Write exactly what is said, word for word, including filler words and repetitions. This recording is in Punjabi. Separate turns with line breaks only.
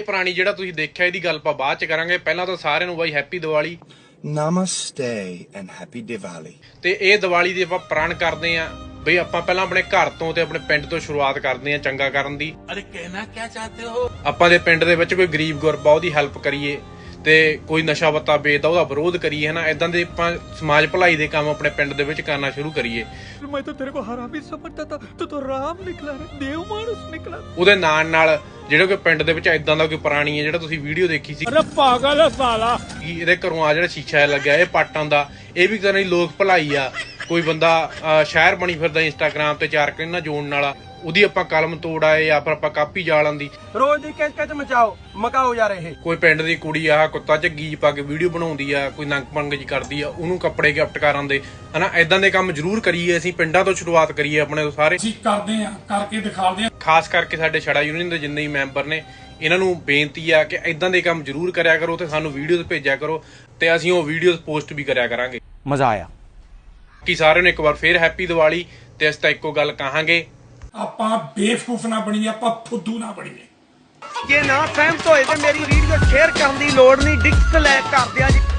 ਇਹ ਪ੍ਰਾਣੀ ਜਿਹੜਾ ਤੁਸੀਂ ਦੇਖਿਆ ਇਹਦੀ ਗੱਲ ਆਪਾਂ ਬਾਅਦ ਚ ਕਰਾਂਗੇ। ਪਹਿਲਾਂ ਤਾਂ ਸਾਰਿਆਂ ਨੂੰ ਬਾਈ ਹੈਪੀ ਦੀਵਾਲੀ।
ਨਮਸਤੇ ਐਂਡ ਹੈਪੀ ਦੀਵਾਲੀ।
ਤੇ ਇਹ ਦੀਵਾਲੀ ਦੀ ਆਪਾਂ ਪ੍ਰਣ ਕਰਦੇ ਆਂ ਬਈ ਆਪਾਂ ਪਹਿਲਾਂ ਆਪਣੇ ਘਰ ਤੋਂ ਤੇ ਆਪਣੇ ਪਿੰਡ ਤੋਂ ਸ਼ੁਰੂਆਤ ਕਰਦੇ ਆਂ ਚੰਗਾ ਕਰਨ ਦੀ।
ਅਰੇ ਕਹਿਣਾ ਕੀ ਚਾਹਤੇ ਹੋ?
ਆਪਾਂ ਦੇ ਪਿੰਡ ਦੇ ਵਿੱਚ ਕੋਈ ਗਰੀਬ ਗੁਰਬਾ ਉਹਦੀ ਹੈਲਪ ਕਰੀਏ ਤੇ ਕੋਈ ਨਸ਼ਾ ਪੱਤਾ ਵੇਚਦਾ ਉਹਦਾ ਵਿਰੋਧ ਕਰੀਏ ਹਨਾ। ਇਦਾਂ ਦੇ ਆਪਾਂ ਸਮਾਜ ਭਲਾਈ ਦੇ ਕੰਮ ਆਪਣੇ ਪਿੰਡ ਦੇ ਵਿੱਚ ਕਰਨਾ ਸ਼ੁਰੂ ਕਰੀਏ।
मैं तो तेरे को हरामी समझता था, तो तो राम निकला रे, देव मानुस निकला।
ਉਹਦੇ ਨਾਲ ਨਾਲ ਜਿਹੜੇ ਕੋਈ ਪਿੰਡ ਦੇ ਵਿੱਚ ਇਦਾਂ ਦਾ ਕੋਈ ਪ੍ਰਾਣੀ ਹੈ ਜਿਹੜਾ ਤੁਸੀਂ ਵੀਡੀਓ ਦੇਖੀ ਸੀ,
अरे पागल है साला।
ਇਹਦੇ ਘਰੋਂ ਆ ਜਿਹੜਾ ਸ਼ੀਸ਼ਾ ਲੱਗਿਆ ਇਹ ਪਾਟਾਂ ਦਾ, ਇਹ ਵੀ ਕਰਨ ਦੀ ਲੋਕ ਭਲਾਈ ਆ। ਕੋਈ ਬੰਦਾ ਸ਼ਹਿਰ ਬਣੀ ਫਿਰਦਾ ਇੰਸਟਾਗ੍ਰਾਮ ਤੇ ਚਾਰ ਕਿੰਨਾ ਜੋੜਨ ਵਾਲਾ, ਉਹਦੀ ਆਪਾਂ ਕਲਮ ਤੋੜ ਆਏ ਜਾਂ ਫਿਰ ਆਪਾਂ ਕਾਪੀ ਜਾਲਾਂ ਦੀ
ਰੋਜ਼ ਦੀ ਕਿਚ ਕਿਚ ਮਚਾਓ ਮਕਾਓ ਜਾ ਰਹੇ।
ਕੋਈ ਪਿੰਡ ਦੀ ਕੁੜੀ ਆ ਕੁੱਤਾ ਝੱਗੀ ਪਾ ਕੇ ਵੀਡੀਓ ਬਣਾਉਂਦੀ ਆ, ਕੋਈ ਨੰਗ ਪੰਗ ਜੀ ਕਰਦੀ ਆ, ਉਹਨੂੰ ਕੱਪੜੇ ਗਿਫਟ ਕਰਨ ਦੇ ਹਨਾ। ਇਦਾਂ ਦੇ ਕੰਮ ਜ਼ਰੂਰ ਕਰੀਏ, ਅਸੀਂ ਪਿੰਡਾਂ ਤੋਂ ਸ਼ੁਰੂਆਤ ਕਰੀਏ ਆਪਣੇ ਤੋਂ ਸਾਰੇ।
ਅਸੀਂ ਕਰਦੇ ਆ ਕਰਕੇ ਦਿਖਾਉਂਦੇ ਆ।
ਖਾਸ ਕਰਕੇ ਸਾਡੇ ਛੜਾ ਯੂਨੀਅਨ ਦੇ ਜਿੰਨੇ ਵੀ ਮੈਂਬਰ ਨੇ ਇਹਨਾਂ ਨੂੰ ਬੇਨਤੀ ਆ ਕਿ ਇਦਾਂ ਦੇ ਕੰਮ ਜ਼ਰੂਰ ਕਰਿਆ ਕਰੋ ਤੇ ਸਾਨੂੰ ਵੀਡੀਓਜ਼ ਭੇਜਿਆ ਕਰੋ ਤੇ ਅਸੀਂ ਉਹ ਵੀਡੀਓਜ਼ ਪੋਸਟ ਵੀ ਕਰਿਆ ਕਰਾਂਗੇ।
मजा आया
ਕਿ ਸਾਰਿਆਂ ਨੂੰ ਇੱਕ ਵਾਰ ਫੇਰ ਹੈਪੀ ਦੀਵਾਲੀ। ਤੇ ਅਸੀਂ ਤਾਂ ਇੱਕੋ ਗੱਲ ਕਹਾਂਗੇ,
ਆਪਾਂ ਬੇਵਕੂਫ ਨਾ ਬਣੀਏ, ਆਪਾਂ ਫੁੱਦੂ ਨਾ ਬਣੀਏ।
ਜੇ ਨਾ ਸਹਿਮਤ ਹੋਏ ਤੇ ਮੇਰੀ ਵੀਡੀਓ ਸ਼ੇਅਰ ਕਰਨ ਦੀ ਲੋੜ ਨਹੀਂ, ਡਿਸਲਾਈਕ ਕਰ ਦਿਆ ਜੀ।